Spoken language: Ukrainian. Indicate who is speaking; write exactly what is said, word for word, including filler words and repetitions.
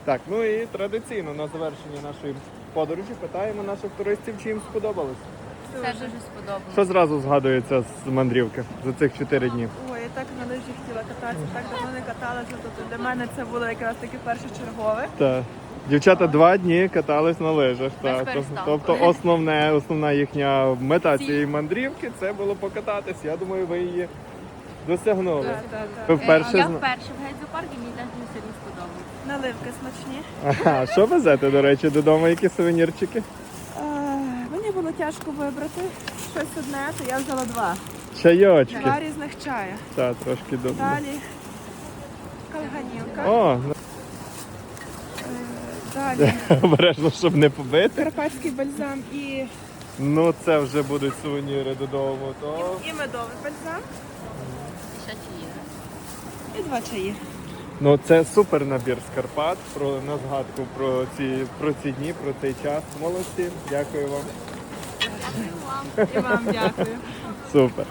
Speaker 1: Так, ну і традиційно на завершення нашої подорожі питаємо наших туристів, чи їм сподобалось.
Speaker 2: Все дуже сподобалось.
Speaker 1: Що зразу згадується з мандрівки за цих чотири дні?
Speaker 3: Ой, я так на лижі хотіла кататися, так давно не каталася, тобто для мене це було якраз таки першочергове.
Speaker 1: Так. Дівчата два дні катались на лижах.
Speaker 2: Без
Speaker 1: Та.
Speaker 2: перестанку.
Speaker 1: Тобто основне, основна їхня мета цієї мандрівки це було покататись. Я думаю, ви її досягнули.
Speaker 3: Так, так,
Speaker 1: Ви
Speaker 3: так.
Speaker 1: вперше
Speaker 2: Я
Speaker 1: зна-
Speaker 2: вперше в гайдзопарку, мені теж дуже сильно сподобалось.
Speaker 3: Наливки смачні.
Speaker 1: Ага, що везете, до речі, додому? Які сувенірчики?
Speaker 3: Е, Мені було тяжко вибрати щось одне, то я взяла два.
Speaker 1: Чайочки.
Speaker 3: Два різних чая.
Speaker 1: Так, трошки добре.
Speaker 3: Далі калганівка.
Speaker 1: О,
Speaker 3: Е, Далі
Speaker 1: обережно, щоб не побити.
Speaker 3: карпатський бальзам і,
Speaker 1: Ну, це вже будуть сувеніри додому. То...
Speaker 3: і медовий бальзам.
Speaker 2: Ще чи є?
Speaker 3: І два чаї.
Speaker 1: Ну, це супер набір з Карпат про, на згадку про ці, про ці дні, про цей час. Молодці, дякую вам.
Speaker 3: І вам дякую.
Speaker 1: Супер.